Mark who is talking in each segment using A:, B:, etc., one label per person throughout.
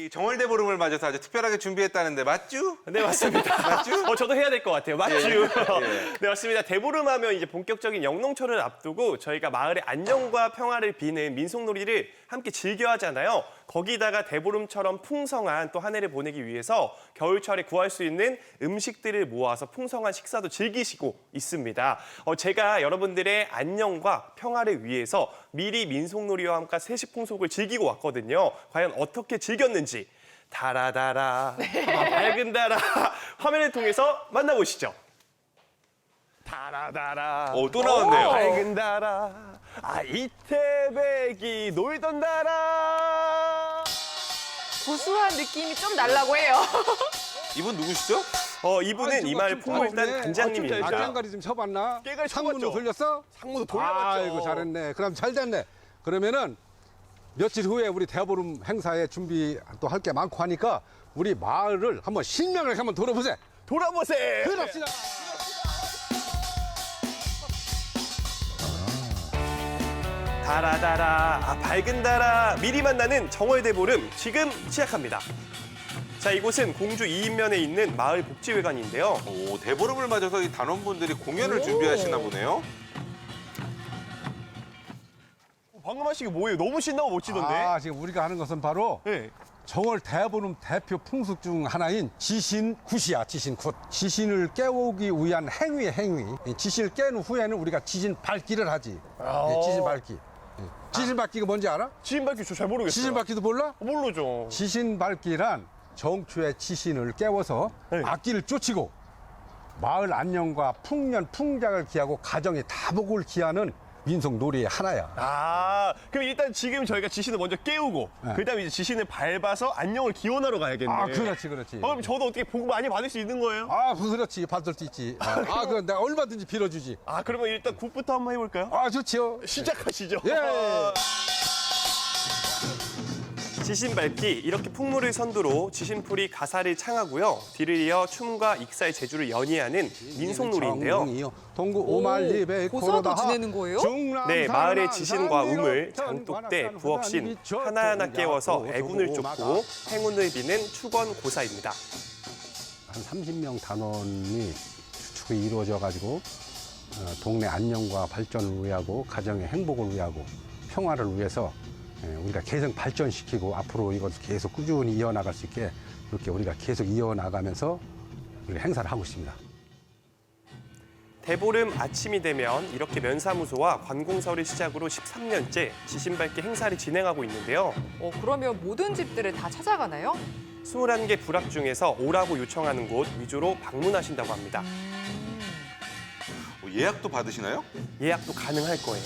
A: 이 정월대보름을 맞아서 아주 특별하게 준비했다는데 맞죠?
B: 네, 맞습니다.
A: 맞죠?
B: 저도 해야 될 것 같아요. 맞죠?
A: 예.
B: 네, 맞습니다. 대보름하면 이제 본격적인 영농철을 앞두고 저희가 마을의 안녕과 평화를 비는 민속놀이를 함께 즐겨 하잖아요. 거기다가 대보름처럼 풍성한 또 한 해를 보내기 위해서 겨울철에 구할 수 있는 음식들을 모아서 풍성한 식사도 즐기시고 있습니다. 제가 여러분들의 안녕과 평화를 위해서 미리 민속놀이와 함께 세시풍속을 즐기고 왔거든요. 과연 어떻게 즐겼는지 달아달아, 밝은 달아 화면을 통해서 만나보시죠. 달아달아,
A: 또 나왔네요.
B: 밝은 달아, 이태백이 놀던 달아.
C: 고수한 느낌이 좀 날라고 해요.
A: 이분 누구시죠?
B: 이분은 이 마을 풍물단 단장님입니다.
D: 깽가리 좀 쳐봤나?
B: 깽가리
D: 상문도
B: 쳐봤죠.
D: 돌렸어?
B: 상무도 돌려봤죠.
D: 아이고 잘했네. 그럼 잘 됐네. 그러면은 며칠 후에 우리 대보름 행사에 준비 또 할 게 많고 하니까 우리 마을을 한번 신명을 한번 돌아보세.
B: 돌아보세요.
D: 그럽시다.
B: 달아달아, 밝은 달아, 미리 만나는 정월대보름 지금 시작합니다. 자, 이곳은 공주 이인면에 있는 마을 복지회관인데요.
A: 오, 대보름을 맞아서 이 단원분들이 공연을 준비하시나 보네요.
B: 방금 하신 게 뭐예요? 너무 신나고 멋지던데?
D: 지금 우리가 하는 것은 바로
B: 네.
D: 정월 대보름 대표 풍습 중 하나인 지신굿이야, 지신굿. 지신을 깨우기 위한 행위야, 행위. 이 지신을 깬 후에는 우리가 지신 밟기를 하지. 지신 밟기. 지신 밟기가 뭔지 알아?
B: 지인 밝기 저 잘 모르겠어요.
D: 지신 밟기도 몰라?
B: 모르죠.
D: 지신 밟기란 정초의 지신을 깨워서
B: 네.
D: 악기를 쫓이고 마을 안녕과 풍년, 풍작을 기하고 가정의 다복을 기하는 민속 놀이의 하나야.
B: 그럼 일단 지금 저희가 지신을 먼저 깨우고
D: 네.
B: 그다음에 이제 지신을 밟아서 안녕을 기원하러 가야겠네.
D: 그렇지, 그렇지.
B: 그럼 저도 어떻게 복 많이 받을 수 있는 거예요?
D: 그렇지. 받을 수 있지. 그건 내가 얼마든지 빌어주지.
B: 그러면 일단 굿부터 한번 해볼까요?
D: 좋지요.
B: 시작하시죠.
D: 예.
B: 지신 밟기, 이렇게 풍물을 선두로 지신풀이 가사를 창하고요. 뒤를 이어 춤과 익사의 재주를 연희하는 민속놀이인데요.
D: 동구 오말리배
C: 고사도 지내는 거예요?
B: 네, 마을의 지신과 우물, 장독대, 부엌신 하나하나 깨워서 애군을 쫓고 행운을 비는 축원 고사입니다.
D: 한 30명 단원이 추측이 이루어져 가지고 동네 안녕과 발전을 위하고 가정의 행복을 위하고 평화를 위해서 우리가 계속 발전시키고 앞으로 이걸 계속 꾸준히 이어나갈 수 있게 이렇게 우리가 계속 이어나가면서 우리 행사를 하고 있습니다.
B: 대보름 아침이 되면 이렇게 면사무소와 관공서를 시작으로 13년째 지신밟기 행사를 진행하고 있는데요.
C: 그러면 모든 집들을 다 찾아가나요?
B: 21개 부락 중에서 오라고 요청하는 곳 위주로 방문하신다고 합니다.
A: 예약도 받으시나요?
B: 예약도 가능할 거예요.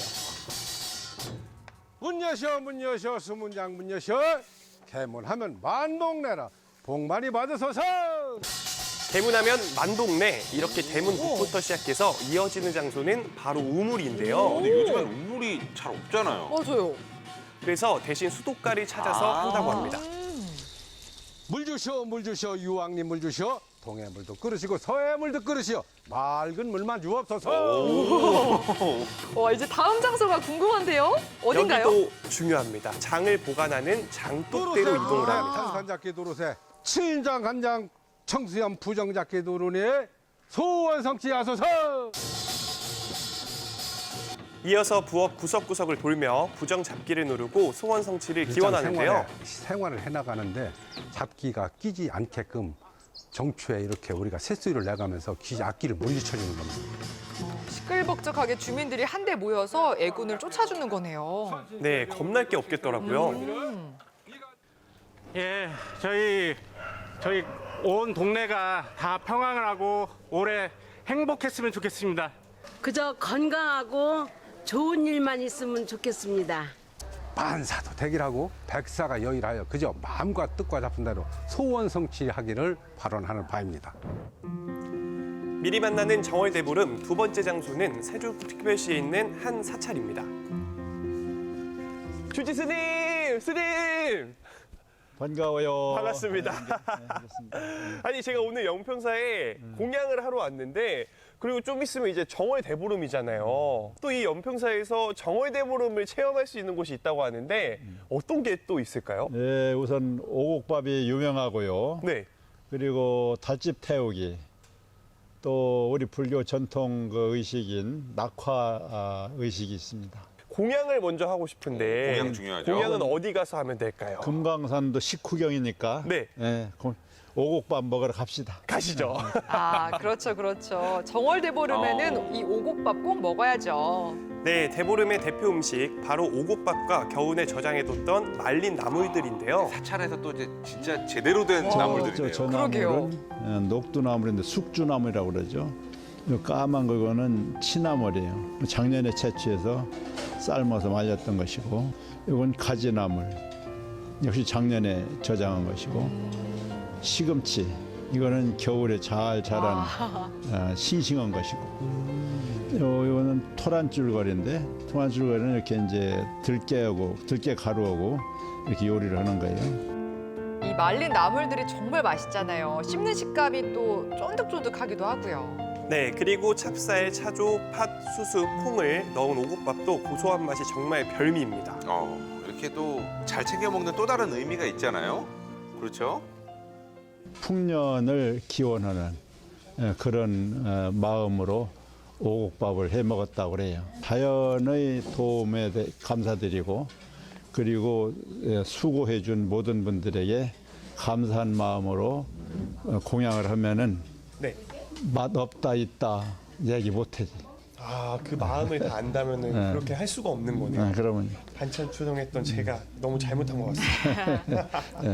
D: 문 여셔 수문장 문 여셔 개문하면 만동네라 복 많이 받으소서.
B: 대문하면 만동네, 이렇게 대문국부터 시작해서 이어지는 장소는 바로 우물인데요.
A: 근데 요즘엔 우물이 잘 없잖아요.
C: 맞아요.
B: 그래서 대신 수도가를 찾아서 한다고 합니다.
D: 물 주셔 유왕님 물 주셔. 동해 물도 끓으시고 서해 물도 끓으시오. 맑은 물만 주옵소서.
C: 이제 다음 장소가 궁금한데요? 어딘가요?
B: 여기도 중요합니다. 장을 보관하는 장독대로 이동을 합니다.
D: 탄산잡기 도로새 친장 간장 청수염 부정잡기 도로니 소원성취하소서.
B: 이어서 부엌 구석구석을 돌며 부정 잡기를 누르고 소원 성취를 기원하는데요.
D: 생활을 해나가는데 잡기가 끼지 않게끔 정초에 이렇게 우리가 새소리를 내가면서 악기를 물리쳐주는 겁니다.
C: 시끌벅적하게 주민들이 한데 모여서 애군을 쫓아주는 거네요.
B: 네, 겁날 게 없겠더라고요.
E: 예, 저희 온 동네가 다 평안을 하고 올해 행복했으면 좋겠습니다.
F: 그저 건강하고 좋은 일만 있으면 좋겠습니다.
D: 만사도 대길하고 백사가 여일하여 그저 마음과 뜻과 잡은 대로 소원 성취하기를 발언하는 바입니다.
B: 미리 만나는 정월대보름 두 번째 장소는 세종특별시에 있는 한 사찰입니다. 주지 스님!
G: 반가워요.
B: 반갑습니다.
G: 반갑습니다.
B: 아니 제가 오늘 연평사에 공양을 하러 왔는데 그리고 좀 있으면 이제 정월 대보름이잖아요. 또 이 연평사에서 정월 대보름을 체험할 수 있는 곳이 있다고 하는데 어떤 게 또 있을까요?
G: 네, 우선 오곡밥이 유명하고요.
B: 네.
G: 그리고 달집 태우기, 또 우리 불교 전통 그 의식인 낙화 의식이 있습니다.
B: 공양을 먼저 하고 싶은데
A: 공양 중요하죠.
B: 공양은 어디 가서 하면 될까요?
G: 금강산도 식후경이니까
B: 네.
G: 오곡밥 먹으러 갑시다.
B: 가시죠.
C: 아, 그렇죠, 그렇죠. 정월대보름에는 이 오곡밥 꼭 먹어야죠.
B: 네, 대보름의 대표 음식 바로 오곡밥과 겨우내 저장해뒀던 말린 나물들인데요.
A: 사찰에서 또 이제 진짜 제대로 된
C: 와,
A: 나물들이네요.
G: 저
C: 그러게요.
G: 나물은 녹두나물인데 숙주나물이라고 그러죠. 이 까만 그거는 치나물이에요. 작년에 채취해서 삶아서 말렸던 것이고, 이건 가지나물, 역시 작년에 저장한 것이고, 시금치, 이거는 겨울에 잘 자란 싱싱한 것이고, 이거는 토란줄거리인데, 토란줄거리는 이렇게 이제 들깨 가루하고 이렇게 요리를 하는 거예요.
C: 이 말린 나물들이 정말 맛있잖아요. 씹는 식감이 또 쫀득쫀득하기도 하고요.
B: 네, 그리고 찹쌀, 차조, 팥, 수수, 콩을 넣은 오곡밥도 고소한 맛이 정말 별미입니다.
A: 이렇게 또 잘 챙겨 먹는 또 다른 의미가 있잖아요. 그렇죠?
G: 풍년을 기원하는 그런 마음으로 오곡밥을 해 먹었다고 그래요. 자연의 도움에 감사드리고, 그리고 수고해 준 모든 분들에게 감사한 마음으로 공양을 하면은
B: 네.
G: 맛 없다 있다 얘기 못하지.
B: 아, 그 마음을 다 안다면은
G: 네.
B: 그렇게 할 수가 없는 거네요.
G: 그러면
B: 반찬 추정했던 제가 너무 잘못한 것 같습니다.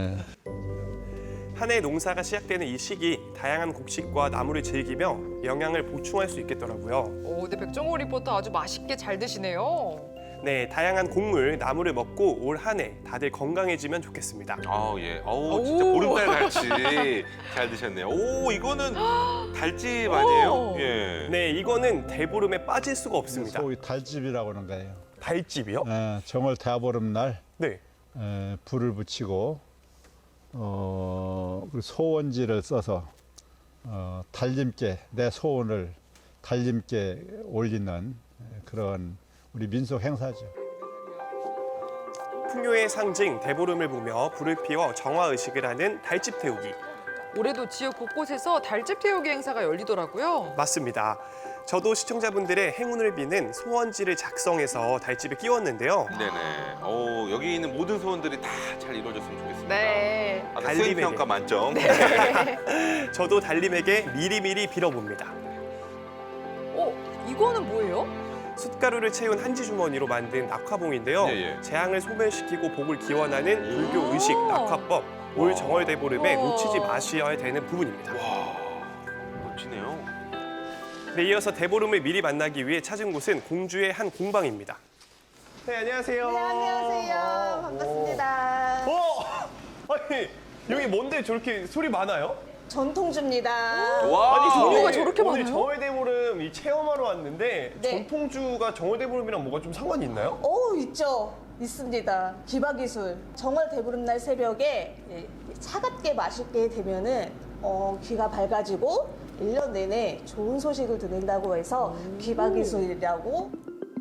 B: 한 해 농사가 시작되는 이 시기 다양한 곡식과 나물을 즐기며 영양을 보충할 수 있겠더라고요.
C: 오, 네, 백종호 리포터 아주 맛있게 잘 드시네요.
B: 네, 다양한 곡물, 나물을 먹고 올 한 해 다들 건강해지면 좋겠습니다.
A: 예. 진짜
C: 오.
A: 보름달 갈치 잘 드셨네요. 오, 이거는 달집 아니에요? 예.
B: 네, 이거는 대보름에 빠질 수가 없습니다.
G: 소위 달집이라고 하는 거예요.
B: 달집이요?
G: 정월 대보름 날
B: 네.
G: 불을 붙이고 그 소원지를 써서 달님께 내 소원을 달님께 올리는 그런 우리 민속 행사죠.
B: 풍요의 상징 대보름을 보며 불을 피워 정화의식을 하는 달집 태우기.
C: 올해도 지역 곳곳에서 달집 태우기 행사가 열리더라고요.
B: 맞습니다. 저도 시청자분들의 행운을 비는 소원지를 작성해서 달집에 끼웠는데요.
A: 네네. 여기 있는 모든 소원들이 다 잘 이루어졌으면 좋겠습니다.
C: 네.
A: 아까
B: 달리베네.
A: 수행평가 만점.
B: 저도 달님에게 미리미리 빌어봅니다.
C: 이거는 뭐예요?
B: 숯가루를 채운 한지 주머니로 만든 낙화봉인데요.
A: 예.
B: 재앙을 소멸시키고 복을 기원하는 불교 의식 낙화법. 올 정월 대보름에
C: 우와.
B: 놓치지 마셔야 되는 부분입니다.
A: 와, 멋지네요.
B: 네, 이어서 대보름을 미리 만나기 위해 찾은 곳은 공주의 한 공방입니다. 네, 안녕하세요.
H: 네, 안녕하세요. 반갑습니다.
B: 아니, 여기 뭔데 저렇게 소리 많아요?
H: 전통주입니다.
A: 와,
B: 아니,
C: 종류가 저렇게
B: 오늘
C: 많아요?
B: 정월 대보름 이 체험하러 왔는데
H: 네.
B: 전통주가 정월 대보름이랑 뭐가 좀 상관이 있나요?
H: 있죠. 있습니다. 기바기술. 정월 대보름날 새벽에 차갑게 마시게 되면은 귀가 밝아지고 1년 내내 좋은 소식을 듣는다고 해서 기바기술이라고.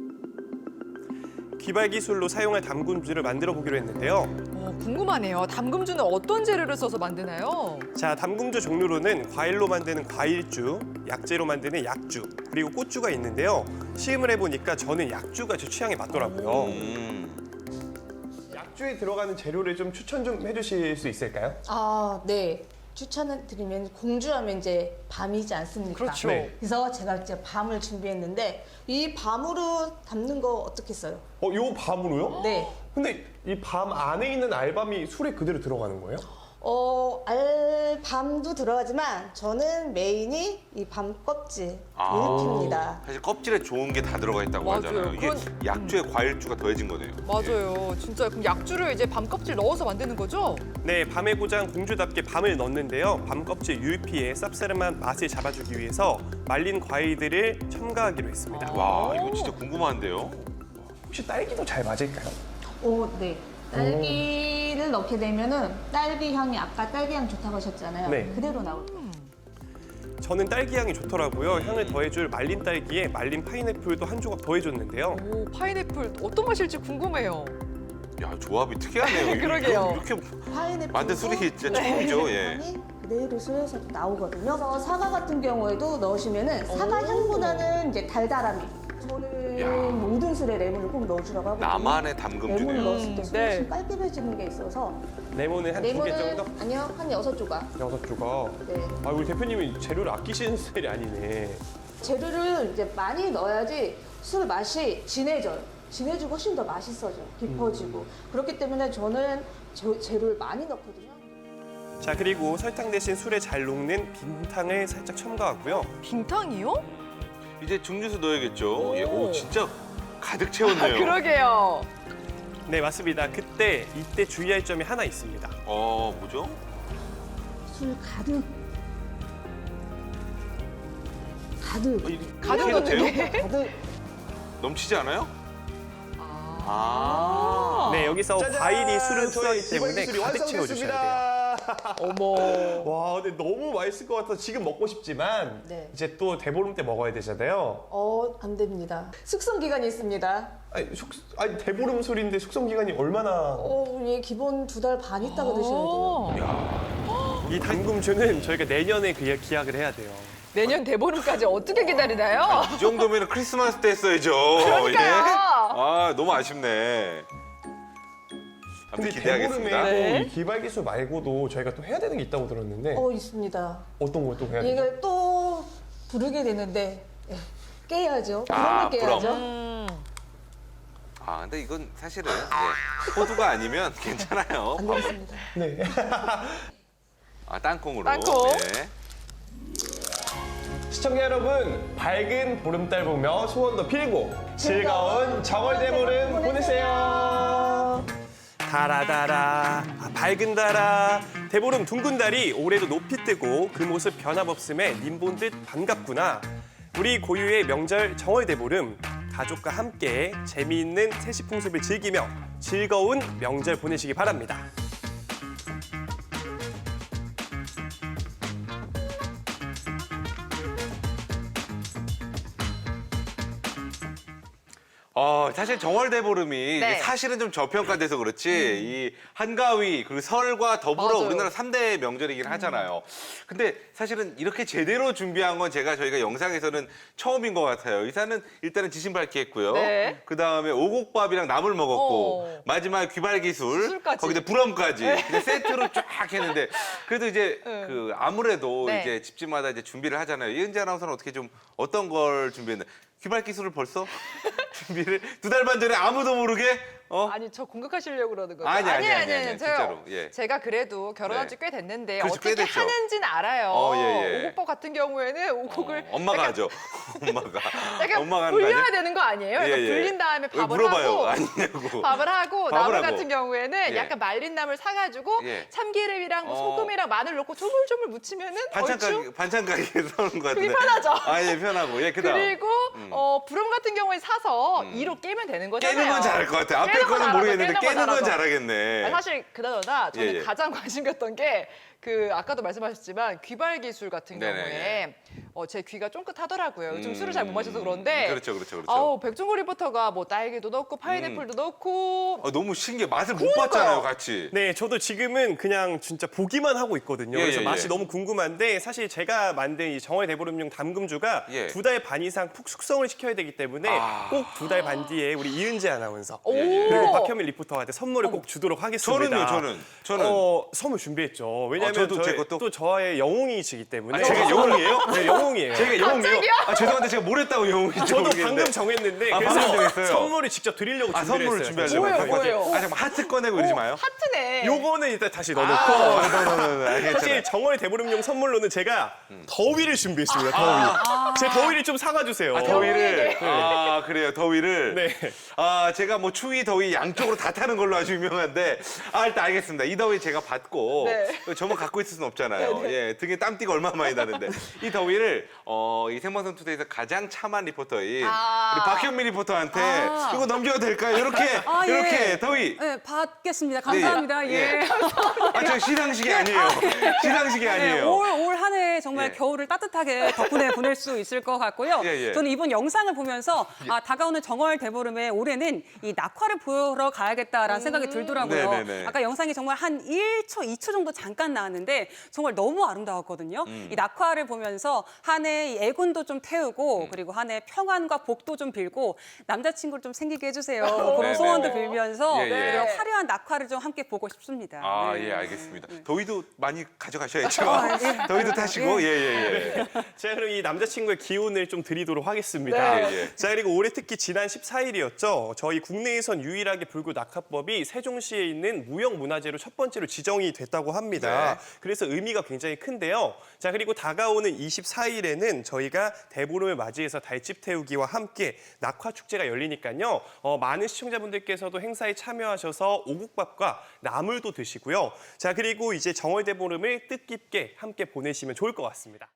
B: 기발기술로 사용할 담금주를 만들어 보기로 했는데요.
C: 궁금하네요. 담금주는 어떤 재료를 써서 만드나요?
B: 자, 담금주 종류로는 과일로 만드는 과일주, 약재로 만드는 약주, 그리고 꽃주가 있는데요. 시음을 해보니까 저는 약주가 제 취향에 맞더라고요. 약주에 들어가는 재료를 좀 추천 좀 해주실 수 있을까요?
H: 네. 추천을 드리면 공주하면 이제 밤이지 않습니까?
C: 그렇죠.
B: 네.
H: 그래서 제가 이제 밤을 준비했는데 이 밤으로 담는 거 어떻겠어요?
B: 요 밤으로요?
H: 네.
B: 근데 이 밤 안에 있는 알밤이 술에 그대로 들어가는 거예요?
H: 알밤도 들어가지만 저는 메인이 이 밤 껍질 일입니다.
A: 사실 껍질에 좋은 게 다 들어가 있다고
C: 맞아요.
A: 하잖아요. 이게
C: 그건-
A: 약주에 과일주가 더해진 거네요.
C: 맞아요. 진짜 그럼 약주를 이제 밤 껍질 넣어서 만드는 거죠?
B: 네, 밤의 고장 공주답게 밤을 넣는데요. 밤 껍질 유피의 쌉싸름한 맛을 잡아주기 위해서 말린 과일들을 첨가하기로 했습니다.
A: 와, 이거 진짜 궁금한데요.
B: 혹시 딸기도 잘 맞을까요?
H: 네. 딸기를 넣게 되면은 딸기 향이 아까 딸기 향 좋다고 하셨잖아요.
B: 네.
H: 그대로 나올 거예요.
B: 저는 딸기 향이 좋더라고요. 향을 더해줄 말린 딸기에 말린 파인애플도 한 조각 더해줬는데요.
C: 오, 파인애플 어떤 맛일지 궁금해요.
A: 야, 조합이 특이하네요.
C: 그러게요.
A: 이렇게
H: 파인애플
A: 만든 술이 진짜 처음이죠. 예.
H: 그대로 술에서 나오거든요. 그래서 사과 같은 경우에도 넣으시면은 사과 향보다는 이제 달달함이. 저는
A: 야.
H: 모든 술에 레몬을 꼭 넣어주라고 하거든요.
A: 나만의 담금주네요.
H: 레몬을 넣었을 때 술이
C: 네.
H: 좀 깔끔해지는 게 있어서
B: 레몬은 한 2개 정도?
H: 아니요, 한 6조각.
B: 6조각.
H: 네.
B: 아, 우리 대표님이 재료를 아끼시는 스타일이 아니네.
H: 재료를 이제 많이 넣어야지 술 맛이 진해져요. 진해지고 훨씬 더 맛있어져요. 깊어지고. 그렇기 때문에 저는 재료를 많이 넣거든요.
B: 자, 그리고 설탕 대신 술에 잘 녹는 빈탕을 살짝 첨가하고요.
C: 빙탕이요?
A: 이제 증류수 넣어야겠죠. 예.
C: 오.
A: 오, 진짜 가득
C: 아,
A: 채웠네요.
C: 그러게요.
B: 네, 맞습니다. 이때 주의할 점이 하나 있습니다.
A: 뭐죠?
H: 술 가득. 가득.
C: 가득
A: 이렇게 해도
C: 넣는
A: 돼요?
C: 게.
H: 가득.
A: 넘치지 않아요?
B: 네, 여기서 과일이 술을 흡수하기 때문에 가득 채워주셔야 돼요.
C: 어머.
B: 와, 근데 너무 맛있을 것 같아서 지금 먹고 싶지만
H: 네.
B: 이제 또 대보름 때 먹어야 되잖아요.
H: 안 됩니다. 숙성 기간이 있습니다.
B: 아니 대보름 술인데 숙성 기간이 얼마나?
H: 예, 기본 2달 반 있다가 드셔야 돼요.
B: 이 담금주는 저희가 내년에 기약을 해야 돼요.
C: 내년 대보름까지 어떻게 기다리나요?
A: 이 정도면 크리스마스 때 했어야죠.
C: 그러니까요.
A: 아, 너무 아쉽네.
B: 근데
A: 아무튼 기대하겠습니다.
B: 대보름에
C: 네.
B: 이 기발기술 말고도 저희가 또 해야 되는 게 있다고 들었는데
H: 있습니다.
B: 어떤 걸 또 해야 되죠?
H: 이걸 또 부르게 되는데 깨야죠.
A: 아,
H: 부름을 깨야죠.
A: 근데 이건 사실은 호두가 아니면 괜찮아요.
H: 안 되겠습니다.
B: 네.
A: 땅콩으로.
C: 땅콩.
A: 네.
B: 시청자 여러분, 밝은 보름달 보며 소원도 필고 즐거운 정월 대보름 보내세요. 달아달아, 밝은 달아, 대보름 둥근 달이 올해도 높이 뜨고 그 모습 변함없음에 님 본 듯 반갑구나. 우리 고유의 명절 정월 대보름, 가족과 함께 재미있는 세시풍습을 즐기며 즐거운 명절 보내시기 바랍니다.
A: 사실 정월대보름이
C: 네.
A: 사실은 좀 저평가돼서 그렇지 이 한가위 그리고 설과 더불어
C: 맞아요.
A: 우리나라 3대 명절이긴 하잖아요. 근데 사실은 이렇게 제대로 준비한 건 제가 영상에서는 처음인 것 같아요. 이사는 일단은 지신 밝기 했고요.
C: 네.
A: 그다음에 오곡밥이랑 나물 먹었고 마지막에 귀발기술
C: 술까지.
A: 거기다 불엄까지 이제 세트로 쫙 했는데 그래도 이제 그 아무래도
C: 네.
A: 이제 집집마다 이제 준비를 하잖아요. 이은지 아나운서는 어떻게 좀 어떤 걸 준비했나? 귀발기술을 벌써 준비를 2달 반 전에 아무도 모르게
C: 아니 저 공격하시려고 그러는 거죠?
A: 아니,
C: 아니에요.
A: 진짜로, 예.
C: 제가 그래도 결혼한
A: 네.
C: 지 꽤 됐는데
A: 그렇죠, 꽤
C: 어떻게
A: 됐죠.
C: 하는지는 알아요.
A: 예.
C: 오곡밥 같은 경우에는 오곡을
A: 엄마가 하죠. 엄마가.
C: 약간
A: 엄마가 하는 거
C: 불려야
A: 아니야?
C: 되는 거 아니에요?
A: 예,
C: 약간
A: 예.
C: 불린 다음에
A: 왜
C: 밥을
A: 물어봐요.
C: 하고
A: 아니냐고.
C: 밥을 하고
A: 밥을
C: 나물
A: 하고.
C: 같은 경우에는
A: 예.
C: 약간 말린 나물 사가지고
A: 예.
C: 참기름이랑 뭐 소금이랑 마늘 넣고 조물조물 무치면은 얼추
A: 반찬 가게에 사오는 거 같은데.
C: 그게 편하죠.
A: 예, 편하고. 예, 그다음.
C: 그리고 부럼 같은 경우에 사서 이로 깨면 되는 거잖아요.
A: 깨는 건 잘할 것 같아. 앞에
C: 깨는 거
A: 거는
C: 잘하죠.
A: 모르겠는데 깨는 건
C: 잘하죠.
A: 잘하겠네.
C: 아니, 사실 그나저나 저는
A: 예.
C: 가장 관심 갔던 게 그 아까도 말씀하셨지만 귀발 기술 같은
A: 네네네.
C: 경우에 제 귀가 쫑긋하더라고요. 요즘 술을 잘 못 마셔서 그런데
A: 그렇죠.
C: 백종고 리포터가 뭐 딸기도 넣고 파인애플도 넣고
A: 너무 신기해. 맛을 못
C: 그러니까요.
A: 봤잖아요, 같이.
B: 네, 저도 지금은 그냥 진짜 보기만 하고 있거든요.
A: 예,
B: 그래서
A: 예,
B: 맛이
A: 예.
B: 너무 궁금한데 사실 제가 만든 이 정월 대보름용 담금주가
A: 예.
B: 2달 반 이상 푹 숙성을 시켜야 되기 때문에 꼭 2달 반 뒤에 우리 이은지 아나운서
C: 오.
B: 그리고 박현민 리포터한테 선물을 꼭 주도록 하겠습니다.
A: 저는.
B: 선물 준비했죠. 왜냐하면
A: 저도 제 것도?
B: 또 저의 영웅이시기 때문에.
A: 제가 영웅이에요?
B: 네, 영웅이에요.
A: 제가 영웅이요? 죄송한데 제가 뭘 했다고 영웅인지
B: 저도
A: 모르겠는데.
B: 방금 정했는데
A: 방금
B: 그래서
A: 정했어요?
B: 선물을 직접 드리려고 준비를
A: 선물을
B: 했어요.
A: 준비하려고.
C: 뭐예요?
A: 잠깐만 하트 꺼내고 이러지 마요.
C: 하트네.
B: 요거는 일단 다시 넣어놓고 사실 정월 대보름용 선물로는 제가 더위를 준비했습니다. 더위. 제 더위를 좀 사가주세요.
A: 더위를. 그래요. 더위를.
B: 네.
A: 제가 뭐 추위, 더위 더위 양쪽으로 다 타는 걸로 아주 유명한데 일단 알겠습니다. 이 더위 제가 받고
C: 네.
A: 저만 갖고 있을 수는 없잖아요. 예, 등에 땀띠가 얼마나 많이 나는데 이 더위를 이 생방송 투데이에서 가장 참한 리포터인 우리 박현미 리포터한테 이거 넘겨도 될까요? 이렇게 더위.
I: 네, 받겠습니다. 감사합니다.
A: 네,
I: 예.
A: 저 시상식이 아니에요. 시상식이 아니에요.
I: 올 한 해 정말
A: 예.
I: 겨울을 따뜻하게 덕분에 보낼 수 있을 것 같고요.
A: 예.
I: 저는 이번 영상을 보면서 다가오는 정월 대보름에 올해는 이 낙화를 보러 가야겠다라는 생각이 들더라고요.
A: 네네네.
I: 아까 영상이 정말 한 1초, 2초 정도 잠깐 나왔는데 정말 너무 아름다웠거든요. 이 낙화를 보면서 한 해 애군도 좀 태우고 그리고 한 해 평안과 복도 좀 빌고 남자친구를 좀 생기게 해주세요. 그런
A: 네네네.
I: 소원도 빌면서
A: 예, 예.
I: 그리고 화려한 낙화를 좀 함께 보고 싶습니다. 네.
A: 예, 알겠습니다. 더위도 많이 가져가셔야죠.
I: 예.
A: 더위도 타시고, 예.
B: 제가 그럼 이 남자친구의 기운을 좀 드리도록 하겠습니다.
A: 네. 예.
B: 자, 그리고 올해 특히 지난 14일이었죠. 저희 국내에선 유일하게 불교 낙하법이 세종시에 있는 무형문화재로 첫 번째로 지정이 됐다고 합니다.
A: 네.
B: 그래서 의미가 굉장히 큰데요. 자, 그리고 다가오는 24일에는 저희가 대보름을 맞이해서 달집 태우기와 함께 낙화 축제가 열리니까요. 많은 시청자분들께서도 행사에 참여하셔서 오국밥과 나물도 드시고요. 자, 그리고 이제 정월 대보름을 뜻깊게 함께 보내시면 좋을 것 같습니다.